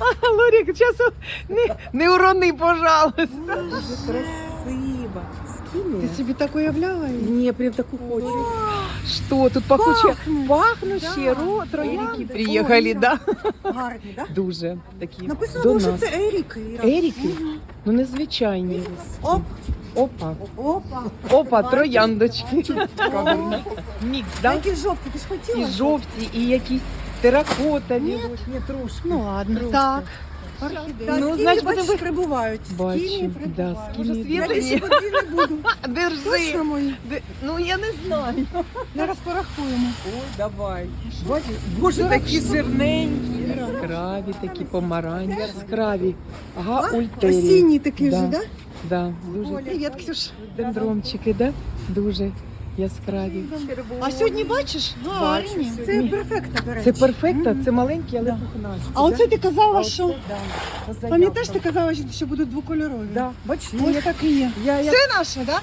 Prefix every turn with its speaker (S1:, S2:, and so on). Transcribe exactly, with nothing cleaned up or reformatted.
S1: Лорік, часу не, не урони, пожалуйста.
S2: Дуже красиво. Скиния?
S1: Ти собі так уявляла?
S2: Не, прям таку хочу.
S1: Що тут пахуче?
S3: Пахнуть.
S1: Пахнущі,
S3: Да.
S1: ро, троянди
S3: Еріки.
S1: приїхали,
S3: О,
S1: да?
S3: Гарні, так?
S1: Дуже такі
S3: Написано,
S1: до
S3: було, що
S1: нас.
S3: це Еріки.
S1: Еріки? Ну незвичайні.
S3: Оп,
S1: Опа,
S3: опа.
S1: опа, трояндочки. Мікс, да?
S3: Які жовті, ти ж хотіла?
S1: І жовті, і якісь теракотові.
S3: Ні,
S2: Не трошки.
S3: Ну ладно,
S2: Трошки.
S3: так. Та,
S1: Ну,
S3: скіні,
S1: значить,
S3: бачиш,
S1: будемо-
S3: прибувають.
S1: Бачу,
S3: Скіні
S1: да,
S3: прибувають.
S1: скіні.
S3: Я
S1: Світлені.
S3: більше води не буду.
S1: Держи.
S3: Точно мої.
S1: Де- Ну я не знаю.
S3: Зараз порахуємо.
S2: Ой, давай. Бачиш, боже, такі жирненькі.
S1: Яскраві такі помаранчі, яскраві. Ага, ультері.
S3: Осінній такий
S1: Да.
S3: вже, так?
S1: Да, дуже.
S3: Привіт, Ксюш.
S1: Дендромчики, да? Дуже яскраві.
S3: А сьогодні бачиш? Гарні.
S2: Бачу,
S3: Це перфекта, до речі.
S1: Це перфекта, це маленькі, але
S3: Да.
S1: пухнасті.
S3: А оце ти казала,
S2: А
S3: що...
S2: оце, да, по
S3: Пам'ятаєш,
S2: заявкам.
S3: ти казала, що будуть двокольорові?
S2: Да, бачиш,
S3: Ось
S2: я,
S3: так і є.
S2: я, я
S3: Це наше, так?